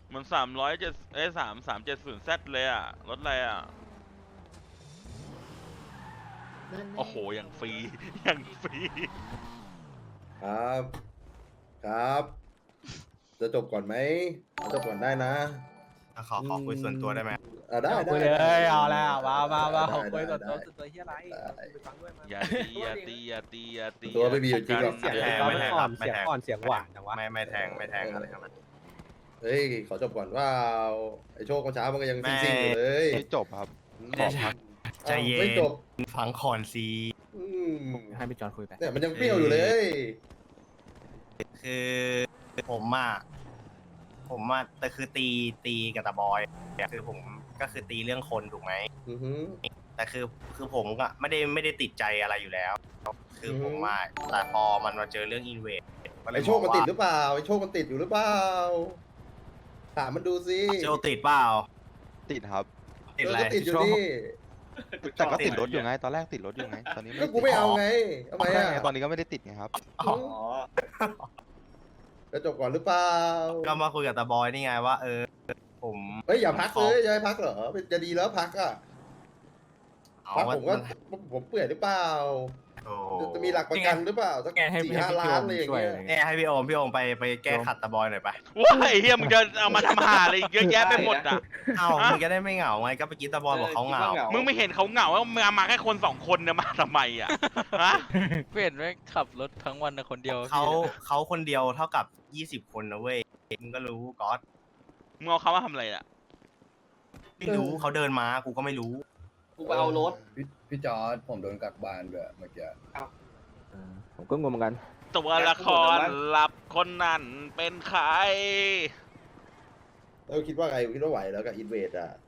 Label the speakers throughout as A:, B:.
A: มัน3073370Zเลยอ่ะรถอะไรอ่ะโอ้โหอย่างฟรีอย่างฟรี
B: ครับครับจะจบก่อนไหมจบก่อนได้นะ
C: ขอคุยส่วนตัวได้ไหม
B: ได้ได้
D: คุยเล
B: ได้
D: ยเอาแล้วมา
B: ได้
D: คุยส่วนตัว
B: ได้
D: ส่วนตัวเฮียอะไร
B: ได้
D: ไปฟังด้วยมา
A: อย่าตีอย่าตีอย่าตีอย่าตี
B: ตัวไม่มีอยู่จริงหรอก
D: เสียง
C: ไม่แทง
D: ตอน
C: ไม่แทง
D: อ่อน
C: ไม่
D: เสียง
C: แทง
D: อ่อนเสียงหวานจังวะ
C: ไม่แทงอะไรทั้งนั้น
B: เฮ้ยขอจบก่อนว่าไอโชคเมื่อเช้ามันก็ยังซิ่งๆอยู่เลย
E: ไม่จบครับ
C: ไม่ได้ ใจเย็น
B: ไม่จบ
C: ฟังคอนซี
B: อืม
D: ให้พี่จอนคุยไป
B: เนี่ยมันยังเปรี้ยวอยู่เลย
C: คือผมแต่คือตีกับตาบอยคือผมก็คือตีเรื่องคนถูกไหม
B: อือหือ
C: แต่คือผมก็ไม่ได้ติดใจอะไรอยู่แล้ว คือผมแต่พอมันมาเจอเรื่องอินเวสก็เล
B: ไอย โชคมันติดหรือเปล่าไอโชคมันติดอยู่หรือเปล่าถามมันดูสิ
C: โจติดเปล่า
E: ติดครับ
C: ติดอะไร
B: ก็ติดอยู่ดิ
E: แต่ก็ติดรถอยู่ไง ตอนแรกติดรถอยู่ไง ตอนนี้
B: ก็กูไม่เอาไงทำไม
E: ใช่
B: อ่ะ
E: ไงตอนนี้ก็ไม่ได้ติดไงครับ
C: อ๋อ
B: จะจบก่อนหรือเปล่า
C: ก็มาคุยกับตาบอยนี่ไงว่าผม
B: เฮ้ยอย่าพักเลยจะให้พักเหรอจะดีแล้วพักอ่ะ
C: เอา
B: พัก
C: ว่า
B: ผมก็ผมเปื่อยหรือเปล่า
C: โอ้
B: จะมีหลักประกันหรือเปล่าสัก
D: แกให้
B: สี่ห้าล้านอะไรอย่างเงี้ย
C: เนี่ยให้พี่โอมไปแก้ขัดตาบอยหน่อยไป
A: ว้ายเฮียมึงจะเอามาทำหาอะไรอีกเยอะแยะไปหมดอ่ะ
C: เอ้ามึงจะได้ไม่เหงาไงก็ไปกินตาบอยบอกเขาเหงา
A: มึงไม่เห็นเขาเหงาว่ามึงเอามาแค่คน2 คนเนี่ยมาทำไมอ่ะฮะ
F: เพื่อนไม่ขับรถทั้งวันนะคนเดียว
C: เขาคนเดียวเท่ากับ20 คนนะเว้ยมึงก็รู้ก๊อต
A: มึงเอาเขามาทำอะไรอ่ะ
C: ไม่รู้เขาเดินมากูก็ไม่รู้
G: กูไปเอารถ
H: พี่จอร์ดผมโดนกักบ้านด้วยเมื่อกี้
D: ผมก็งงเหมือนกัน
A: ตัวละครลับคนนั้นเป็นใคร
B: แล้วคิดว่าไงคิดว่าไหวแล้วกับอินเวดอ่ะ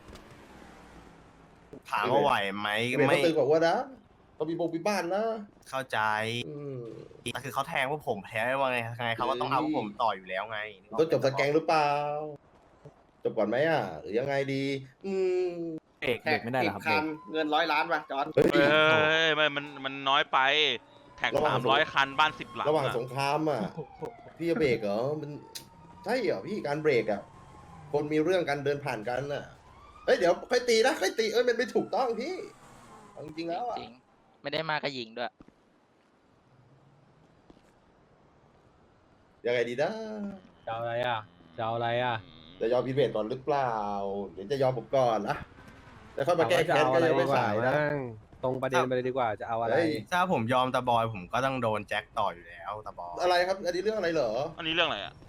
C: ถามว่าไหวไหม
B: อินเวด
C: ไม่
B: เขาตึงกว่านะเขามีมีบ้านนะ
C: เข้าใจ
B: อืม
C: แต่คือเขาแทงพวกผมแพ้ว่าไงเขาก็ต้องเอาพวกผมต่ออยู่แล้วไง
B: ต้องจบสแกงหรือเปล่าจบก่อนไหมอ่ะหรือยังไงดี อืม
D: เบรกไม่ได้เหรอครับเบรก
G: เงิน100 ล้านป่ะจอร์ด
B: เฮ้ย
A: เอ้ยมันน้อยไป แท็ก
B: ระหว่าง
A: 300 คันบ้าน10 หลัง
B: ระหว่าง
A: อะ
B: สงครามอ่ะพี่จะเบรกเหรอมันใช่เหรอพี่การเบรกอ่ะคนมีเรื่องกันเดินผ่านกันอ่ะเฮ้ยเดี๋ยวค่อยตีนะค่อยตีมันไม่ถูกต้องพี่เอาจริงๆแล้วอ่ะ
F: จริงไม่ได้มากระหญิงด้วย
B: ยังไงดีนะ
D: จะเอาอะไรอ่ะจะเอาอะไรอ่ะ
B: จะยอมอินเวดก่อนหรือเปล่าเดี๋ยวจะยอมผมก่อนนะแล้วค่อยมาแก้แค้นก็ยังไม่สายนะ
D: ตรงประเด็นไปเลยดีกว่าจะเอาอะไร
B: เฮ้ย
C: ถ้าผมยอมตาบอยผมก็ต้องโดนแจ็คต่ออยู่แล้วตาบอย
B: อะไรครับอันนี้เรื่องอะไรเหรอ
A: อันนี้เรื่องอะไรอ่ะ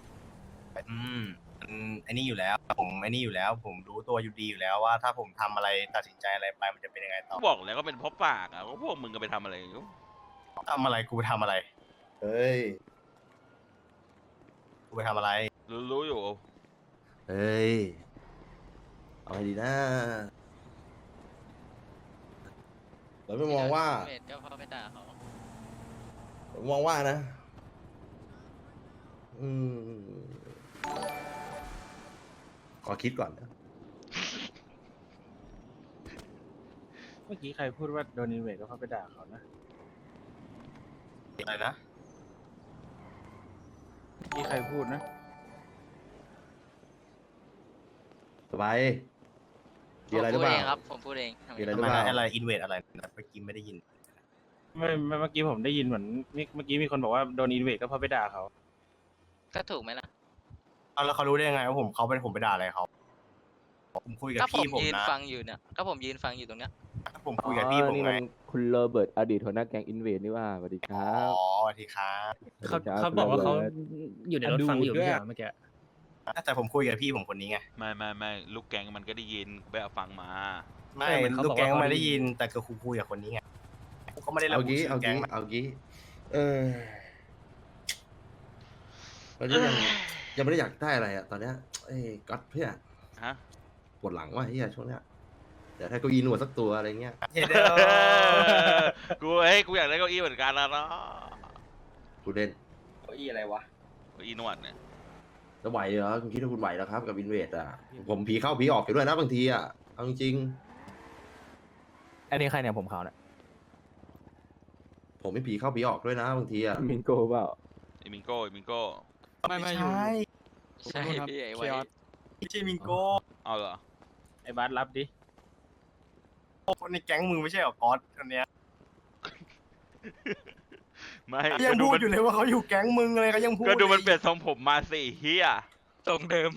C: ไอ้นี่อยู่แล้วผมรู้ตัวอยู่ดีอยู่แล้วว่าถ้าผมทำอะไรตัดสินใจอะไรไปมันจะเป็นยังไงต่อ
A: กูบอกแล้วก็เป็นเพราะปากอ่ะว่าพวกมึงก็ไปทำอะไรอยู่
C: ทำอะไรกูไปทำอะไร
B: เฮ้ย
C: กูไปทำอะไร
A: รู้อยู่
B: เฮ้ยเอาไงดีนะเราไม่มองว่า
F: เวทก็เพราะไปด่าเขา
B: ผมมองว่านะ อืมขอคิดก่อนนะ
D: เมื่อกี้ใครพูดว่าโดนอินเวดก็เพราะไปด่าเขานะ
C: อะไรนะ
D: เมื่อกี้ใครพูดนะ
B: สบาย
F: ผ
B: มี
F: ม
B: อะไรหรื
F: พู
B: อ
F: ด
B: เป
F: เอ
B: ล่าง
F: ครับ ผมพูดเอง
B: มีอะไรห
C: ทำ
B: รือ
C: ไม
B: เปล่า
C: อะไรอินเวดอะไรเมื่อกี้ไม่ได้ยิน
D: ไม่เมื่อกี้ผมได้ยินเหมือนเมื่อกี้มีคนบอกว่าโดนอินเวดก็เพราะไปด่าเขา
F: ก็ถูกไหมล่ะ
C: เอาแล้วเขารู้ได้ยังไงว่าเขาผมไปด่าอะไรเขาผมคุยกับ
F: ก็ผม
C: พี่ผม
F: ยืน
C: นะ
F: ฟังอยู่เนี่ย ก็ผมยืนฟังอยู่ตรงเนี้ย
C: ผมคุยกับพี่ผม
I: นี่
C: ไง
I: มันคุณโรเบิร์ตอดีตหัวหน้าแก๊งอินเวดนี่ว่าสวัสดีค
C: อ๋
I: รั
C: อบ สวัสดีครับ
I: สวัสดีครับ
D: เขาบอกว่าเขา
I: คุณโรบิร์ต
D: อยู่ในรถฟังอยู่ไม่ใช่เหรอเมื่อกี้
C: แต่ผมคุยกับพี่ผมคนนี้ไง
A: ไม่ลูกแกงมันก็ได้ยินไปเอาฟังมา
C: ไม่
D: เออมันเขา
C: ลูกแก๊ง
D: บอกว่า
C: ไม่ได้ยินแต่คือคุยกับคนนี้ไงเขาไม่ได้ระ
B: เอา
C: บุ
B: งี้
C: ชื่
B: เอา
C: อแก๊ง
B: งี้
C: นะ
B: เอางี้เราจะยังไม่ได้อยากได้อะไรอ่ะ ตอนเนี้ยเอ้ยก๊อตเพื่อน
A: ฮะ
B: ปวดหลังว่ะเฮียช่วงเนี้ยเดี๋ยวถ้าเก้าอี้หนวดสักตัวอะไรเงี้ย
C: เฮ้ยเด้อ
A: กูอยากได้เก้าอี้เหมือนกันแล้วเนาะ
B: กูเล่น
G: เก้าอี้อะไรวะ
A: เก้าอี้นวดเนี่ย
B: จะไหวเหรอคุณคิดว่าคุณไหวแล้วครับกับอินเวดอ่ะผมผีเข้าผีออกอยู่ด้วยนะบางทีอ่ะเอาจริง
D: อันนี้ใครเนี่ยผมเขาเนี่ย
B: ๆผมไม่ผีเข้าผีออกด้วยนะบางทีอ่ะ
I: มิงโก้เปล่า
A: ไอ้มิงโก้
C: ไม่ใช่
F: ใช่พี่ไอ้ไว้
C: ไม่ใช่มิงโก้
A: เอาเหรอ
D: ไอ้บาสรับดิ
C: คนในแก๊งมึงไม่ใช่เหรอก๊อตคนเนี้ย
A: ไม่
C: ยัง
A: ก็ดู
C: พูด
A: มัน
C: อยู่เลยว่าเขาอยู่แก๊งมึงเลยเขายังพูด
A: ก็ดูมัน
C: ลย
A: เปลี่ยนทรงผมมาสิเฮีย
F: ตรงเดิม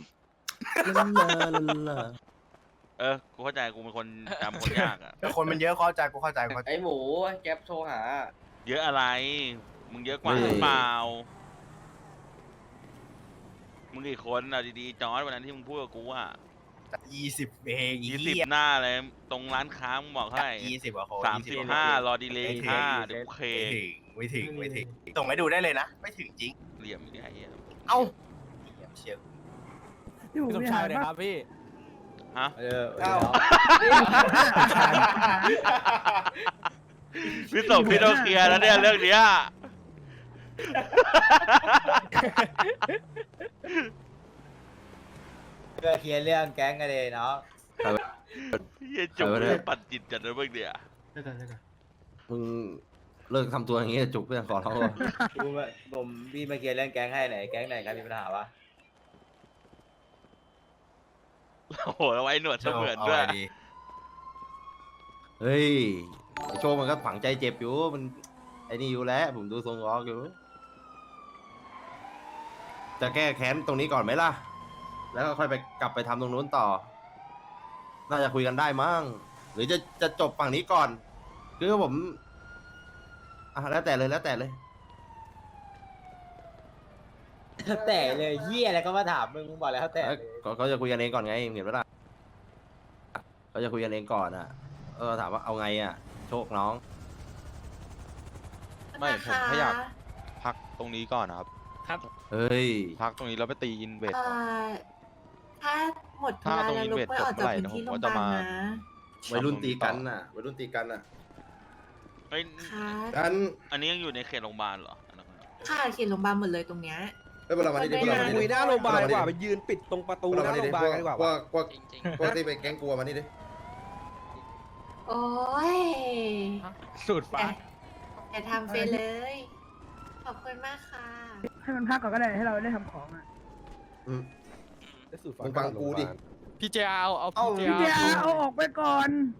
A: กูเข้าใจกูเป็นคนจำคนยากอ่ะ
C: แต่คนมันเยอะเข้าใจกูเข้าใจกูเข้าใจ
G: ไอ้หมูแก๊ปโทรหา
A: เยอะอะไร มึงเยอะกว่าหรือเปล่า มึงกี่คนเอาดีๆจอร์ดวันนั้นที่มึงพูดกับกูอ่ะ
C: 20เอง
A: 20หน้าเลยตรงร้านค้ามึงบอกเท่าไหร่
C: 20กว่าคน
A: 35รอดีเลย5เดี๋ยวกูเค
C: ไม่ถึงส่งให้ดูได้เลยนะ ไม่ถึงจริง
A: เหลี่ยมอีกไอ้เหี้ย
C: เอ้าเชียร์
J: พี่สมชายเลยครับพี่
A: ฮะ
C: เอ้า
A: พี่สมพี่ต้องเคลียร์แล้วเนี่ยเรื่องเนี้ย
J: เพื่อเคลียร์เรื่องแก๊งกันเลยเนาะ
A: เหี้ยจุกเรื่องปัดจิตจัดเลยเมื่อเดีย
B: มึงเลิกทำตัวอย่างงี้จุกเพื่อนขอร้องว่ะ
J: ผมพี่มาเคลียร์เรื่องแก๊งให้ไหนแก๊งไหนครับมีปัญหาวะ
A: โอ้โหแล้วไว้หนวดเสมือนด้วย
B: เฮ้ยไอ้โชว์มันก็ฝังใจเจ็บอยู่มันไอ้นี่อยู่แล้วผมดูทรงล้อกอยู่จะแก้แค้นตรงนี้ก่อนไหมล่ะ แล้วก็ค่อยไปกลับไปทำตรงนู้นต่อ น่าจะคุยกันได้มั้งหรือจะจบฝั่งนี้ก่อนคือผมแล้วแต่เลยแล้วแต่เลย
J: แต่เลยเฮียอะไรก็มาถามมึงบอกแล้วแต่เลย
B: เขาจะคุยกันเองก่อนไงเห็นไหมล่ะเขาจะคุยกันเองก่อนอ่ะถามว่าเอาไงอ่ะ โชคน้อง
E: ไม่ผมแค่อยากพักตรงนี้ก่อนนะครับ
B: เฮ้ย
E: พักตรงนี้แล้วไปตีอินเวส
K: ถ้าหมด
E: ถ้าตรงอินเวสจบเมื่อไหร่นะผมก็จะมา
B: วัยรุ่นตีกันน่ะวัยรุ่นตีกันน่ะ
A: เฮ้ย
K: ค่ะ
B: กัน
A: อันนี้ยังอยู่ในเขตโรงพยาบาลเหรออันนั้น
K: ค่ะเขียนโรงพยาบาลหมดเลยตรงเนี้ย
B: เวลามานี่ดิเวลามานี่
H: คุ
B: ดิ
H: ยหน้าโรงพยาบาลดีกว่าไปยืนปิดตรงประตูหน้าโรงพยาบาลกันดีกว่า
B: พวก
F: จริง
B: พวกที่ไปแก๊งกลัวมานี่ดิ
K: โอ้ย
D: สูตรฟ้า
K: อย่าทำไปเลย ขอบคุณมากค่ะ
J: ให้มันพักก่อนก็ได้ให้เราได้ทำของอ่ะ
B: อืมมึงฟังกูดิ
D: พี่เจเอา
J: พี่เดียเอาออกไปก่อน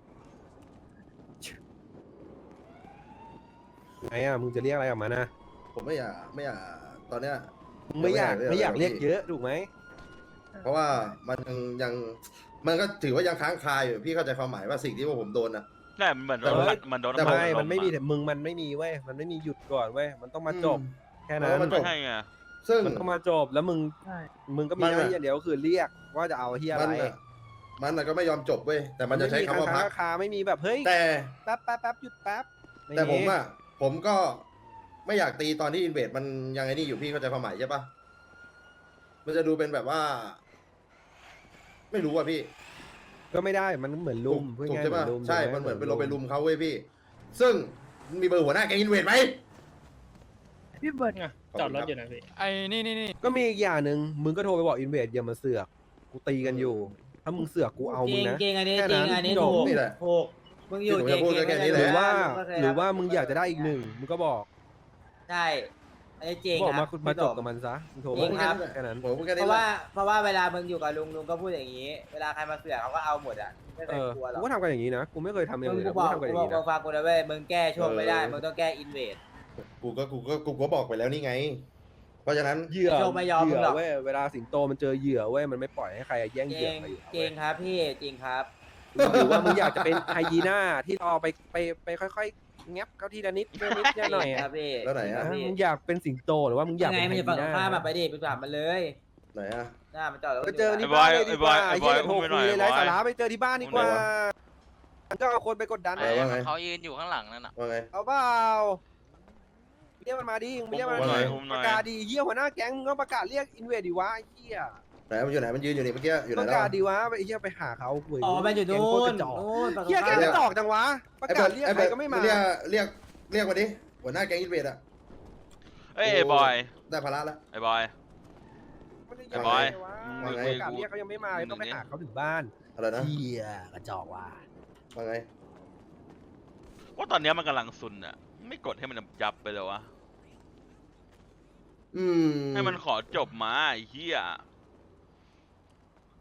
H: ไงอ่ะมึงจะเรียกอะไรออกมานะ
B: ผมไม่อยากตอนเนี้ย
H: มึงไม่อยากเรียกเยอะถูกไหม
B: เพราะว่ามันยังมันก็ถือว่ายังค้างคาอยู่พี่เข้าใจความหมายว่าสิ่งที่พวกผมโดนนะ
A: ใช่มันเหมือนโดนมันโดน
B: แต่
H: ไม่มันไม่มีแต่มึงมันไม่มีเว้ยมันไม่มีหยุดก่อนเว้ยมันต้องมาจบแค่นั้น
B: มันจ
A: ไม่
B: บ
A: ใช่ไง
B: ซึ่ง
H: มันต้องมาจบแล้วมึงก็มีหน้าที่อย่างเดียวคือเรียกว่าจะเอาเฮียอะไร
B: มันก็ไม่ยอมจบเว้ยแต่มันจะใช้คำว่าพัก
H: คาไม่มีแบบเฮ้ย
B: แต่
H: แป๊บหยุดแป๊บ
B: แต่ผมก็ไม่อยากตีตอนที่อินเวดมันยังไงนี่อยู่พี่เข้าใจความหมายใช่ปะมันจะดูเป็นแบบว่า ไม่รู้อ่ะพี่
H: ก็ไม่ได้มันเหมือนลุม
B: ถูกใช่ปะใช่มันเหมือนเป็นไปลุมเขาเว้ยพี่ ซึ่งมีเบอร์หัวหน้าแก๊งอินเวดไหม
J: พี่เบิร์ด
B: จอดรถอยู่นะพี่
D: ไอ้นี่
H: ก็มีอีกอย่างหนึ่งมึงก็โทรไปบอกอินเวดอย่ามาเสือกกูตีกันอยู่ ถ้ามึงเสือกกูเอามึงนะ
J: จริงอันนี้
H: แค่
J: จริ
H: นั้
J: ง
H: น
J: อันนี้
H: จ
J: ถู
H: บ
J: ก
B: นี่แหละ
J: ถูกมึงอยู่
B: ที่ผมจะพูดก็แค่นี้แหละ
H: หรือว่ามึงอยากจะได้อีกหนึ่งมึงก็บอก
J: ใช่อันนี้จริง
H: บอก
J: ค
H: มา
J: รับ
H: มาจบกับมันซะมึงโทร
J: จริงครับ
H: แค่นั้น
B: ผมพูดแค่
J: เพ
B: นี้
J: ราะ
B: แห
J: ว่า
B: ละ
J: เพราะว่าเวลามึงอยู่กับลุงก็พูดอย่างนี้ เวลาใครมาเสือกเขาก็เอาหมดอ่ะไม่เค
H: เอย อก
J: ลัวหร
H: กู
J: อก
H: ก็ทำกันอย่างนี้นะกูไม่เคยทำอย่าง
J: มึง
H: อื่น
J: กู
H: นะ
J: บ
H: กู
J: อก
H: ทำกันอ
J: กู
H: ย่าง
J: บอก
H: นี้นะ
J: ฟังกูนะเว้ยมึงแก้ช่วงไม่ได้มึงต้องแก้อินเวด
B: กูก็บอกไปแล้วนี่ไง เพราะฉะนั้น
H: เหยื่อ
J: โชว์ไม่ยอม
H: เหยื่
J: มึงหรอก
H: เว้ยเวลาสิงโตมันเจอเหยื่อเว้ยมันไม่ปล่อยให้ใครแย่ง
J: จ
H: เหยื่
J: ริ
H: อง ไปอยู่
J: จริงครับพี่จริงครับ
H: หรือว่ามึงอยากจะเป็นไฮยีน่าที่รอไปค่อยๆงับเขาทีละนิดทีละนิดหน่อย
J: ค
H: อะ
J: รับพี่
B: แล้วไหนอะ
J: จริงครับ
H: มึ
J: พี่
H: งอยากเป็นสิงโตหรือว่ามึงอยาก
J: ยังไง
H: เป็น
J: มัน
H: ไฮ
J: จะ
H: ยี
J: ฝั่ง
H: น่า
J: ข้ามมาไปดิไปถามมันเลย
B: ไหนอะ
J: หน้ามันจอดแล้ว
H: ไปเจอที่
A: ไอ้บ
H: บ้า
A: อน ย
H: เลยดีกว่า
A: ไอ้บอย
H: เฮียโทร
A: ไอ้
H: คุ
A: บอย
H: ยเลยไร้
A: ไอ้บอย
H: สาระไปเจอที่บ้านดีกว่ามันก็เอาคนไปกดดัน
B: เออว่าไง
F: เขายืนอยู่ข้างหลังนั่นน่ะ
B: ว่าไง
H: เอาเปล่าเรียกมันมาดิมึงไม่เรียกมัน
B: ว่าไง
H: ประกาศดีเฮียหัวหน้าแก๊งมึงก็ประกาศเรียกอินเวดดีวะไอ้เฮีย
B: ไหนมันอยู่ไหนมันยืนอยู่นี่เมื่อกี้อยู่ไหน
H: ประ
B: แล้ว
H: กาศดีวะไอ้เฮียไปหาเขาคุย
J: อ๋อมันอยู่
H: แก๊ง
J: นู่
H: โคตร
J: น
H: กระจอก
J: นู่นฝั่ง
H: เฮียแก๊ง
J: ข้าม
H: กระจอกจังวะประกาศเรียกใครก็ไม่มา
B: เรียกมาดิหัวหน้าแก๊งอินเวดอะ
A: เอ้ยไอ้บอย
B: ได้ภาระแล้ว
A: ไอ้บอย
H: ไม่ได้
A: ไอ้บอย
H: ว่า
B: ว่าไง
H: ประกาศเรียกเขายังไม่มาเลยต้องไปหาเขาถึงบ้าน
B: อะไรนะ
H: เฮียกระจอกว่ะ
B: ว่าไง
A: ว่าตอนเนี้ยมันกำลังซุนอ่ะไม่กดให้มันยับไปเลยวะ
B: อืม
A: ให้มันขอจบมาไอ้เหี้ย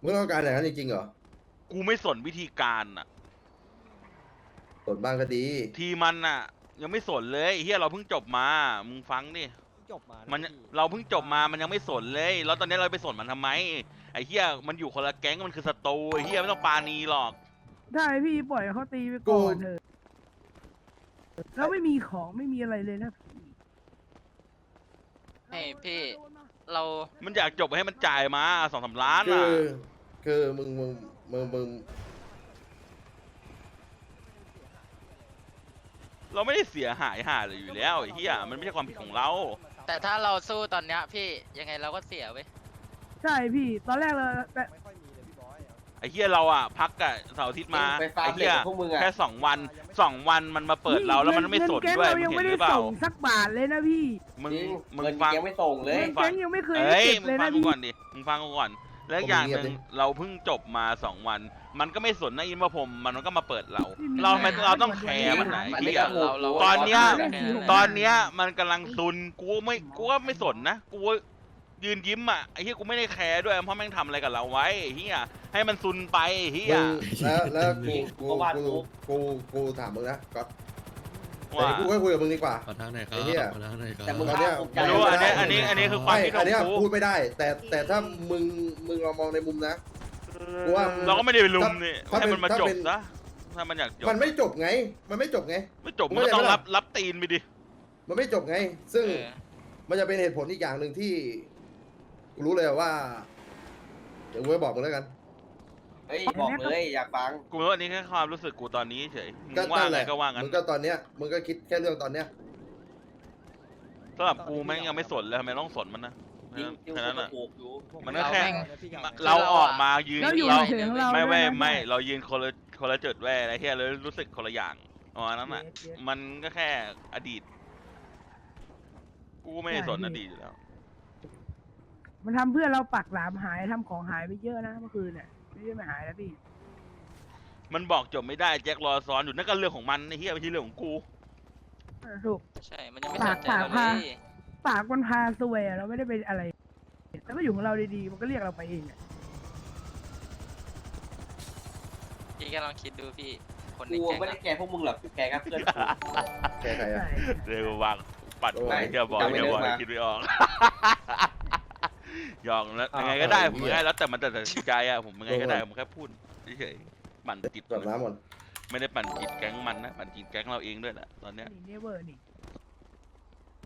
B: มึงต้องการอย่างนั้นจริงๆเหรอ
A: กูไม่สนวิธีการอ่ะ
B: สนบ้างก็ดี
A: ทีมันอ่ะ ยังไม่สนเลยไอ้เฮียเราเพิ่งจบมา มึงฟังดิ
G: จบมา
A: มันเราเพิ่งจบมามันยังไม่สนเลย แล้วตอนนี้เราไปสนมันทำไมไอ้เฮียมันอยู่คนละแก๊งมันคือศัตรูไอ้เฮียไม่ต้องปาณีหรอก
L: ได้พี่ปล่อยเขาตีไปก่อนเถอะแล้วไม่มีของไม่มีอะไรเลยนะพี่
F: ให้พี่ เรา
A: มันอยากจบให้มันจ่ายมา2-3 ล้าน
B: คื
A: อ่ะ
B: อคือมึง
A: เราไม่ได้เสียหายห่าเลยอยู่แล้วไอ้เฮียมันไม่ใช่ความผิดของเรา
F: แต่ถ้าเราสู้ตอนเนี้ยพี่ยังไงเราก็เสียเว้ย
L: ใช่พี่ตอนแรกเราแต่
A: ไอ้เฮียเราอ่ะพักอะเสาร์อาทิตย์มา
J: ไปฟาร์
A: ไอ้
J: มเหล็
A: เฮี
J: ก
A: ย
J: กับพวกมึงอะ
A: แค่2 วันมันมาเปิดเราแล้วมันไม่สน
L: เงิแก๊ง
A: ด้วย
L: เรา
A: มึ
L: ยัง
A: ง
L: ไม่
A: เห็นห
L: ได้
A: รือเปล่า
L: ส่งสักบาทเลยนะพี่
A: มึง
J: จริง
A: มึง
J: เงิน
A: ฟัง
J: ยังไม่ส่งเลย
L: เงินแก๊งยังไม่เคยได้
A: เอ้ย
L: เก็บ
A: มึ
L: เล
A: ง
L: ย
A: ฟัง
L: นะ
A: กู
L: พี่
A: ก่อนดิมึงฟังกูก่อนแล้วอีกอย่างหนึ่งเราเพิ่งจบมา2 วัน มันก็ไม่สนนะอินว่าผมมันก็มาเปิดเรา เราต้องแคร์มันไหน
J: มันไม่
A: เฮีย
J: กระโหลก
A: ตอนเนี้ย
J: ไม่
A: ตอนเนี้ยมันกำลังซุนกูก็ไม่สนนะกูยืนยิ้มอ่ะไอ้เฮียกูไม่ได้แคร์ด้วยเพราะแม่งทำอะไรกับเราไว้ไอ้เฮียให้มันซุนไปไอ้เฮีย
B: แล้วกู
J: เพราะว่ากู
B: กูถามมึงนะก๊อตแต่
A: ว่า
B: กูก็คุยกับมึงดีกว่า
M: ขอทางไหนครับ
B: ไอ้เหี้ย
M: ขอทางไหนครับ
J: แต่มึง
B: ตอนเนี้ย
J: ภาคภูมิใจ
A: ไม่รู้อันเนี้ยคือความคิดข
B: อั
A: อน ง
B: เนี้ย
A: กู
B: พูดไม่ได้ แต่ถ้ามึงลองมองในมุมนะกูว่า
A: เราก็ไม่ได้ไปลุมนี่
B: ถ้า
A: ให้มันมา
B: ถ้า
A: จบ
B: เป็น
A: ซะถ้ามันอยากจบ
B: มันไม่จบไง
A: ไม่จบ
B: มึ
A: มัน
B: ง
A: ก็ต้อง
B: เข้าใจไหมล่ะ
A: รับตีนไปดิ
B: มันไม่จบไง ซึ่ง
F: เออ
B: มันจะเป็นเหตุผลอีกอย่างหนึ่งที่กูรู้เลยว่า เดี๋ยวกูไปบอกมึงแล้วกัน
J: เฮ้ยบอกเลยอยากฟัง
A: กูรู้อันนี้แค่ความรู้สึกกูตอนนี้เฉยมึ
B: ก็
A: งว่า
B: นั่น
A: อะ
B: แห
A: ไร
B: ละ
A: ก็ว่างั้น
B: มึงก็ตอนเนี้ยมึงก็คิดแค่เรื่องตอนเนี้ย
A: สำหรับกูแม่งยังไม่สนเลยทำไมต้องสนมันนะ
J: จริงจริง
A: แค่นั้น
J: ก็
A: อ่ะ
J: ถูกอยู่
A: มันก็แค่
F: เรา
A: เราออกมายืน
L: แล้วอยู่
A: เรา
L: เฉยๆของเรา
A: ไม่
L: ด้วยนะ
A: ไม่เรายืนคนละจุดแว่อะไรเฮียเลยรู้สึกคนละอย่างอ๋อนั้นอ่ะ มันก็แค่อดีต กูไม่ได้สนอดีตอยู่แล้ว
L: มันทำเพื่อนเราปักหลามหายทำของหายไปเยอะนะเมื่อคืนเนี่ยไม่ได้ไม่หายแล้วพี่
A: มันบอกจบไม่ได้แจ็ครอซ้อนอยู่นั่นก็เรื่องของมันไอ้เฮียไม่ใช่เรื่องของกู
L: ถูก
F: ใช่มันยังไม่สนใจเราเลย
L: ปากมันพาซวยอะเราไม่ได้เป็นอะไรแต่ก็อยู่ของเราดีๆมันก็เรียกเราไปเองอะ
F: พี่ก็ลองคิดดูพี่ คนใน
J: กู
F: แก๊ง
J: ไม่ได้
F: อะ
J: แกล้งพวกมึงหรอกแกล้งแค่เพื่อนกู
B: แค่ใครอะ
L: ใช่
A: เดี๋ยววางปัด
B: โอ้ย
A: ไปเฮียบอก
J: จำไม่
A: เฮียบอก
J: ได้มา
A: คิดไม่ออก หยอกแล้วยังไงก็ได้ผมยังไงแล้วแต่มันแต่ตัดสินใจอะผมยังไงก็ได้ผมแค่พูดเฉยๆปั่นจิต
B: กดน้ำหมด
A: ไม่ได้ปั่นจิตแก๊งมันนะปั่นจิตแก๊งเราเองด้วยแหละตอนเนี้ย
L: นี่เนเวอร์นี่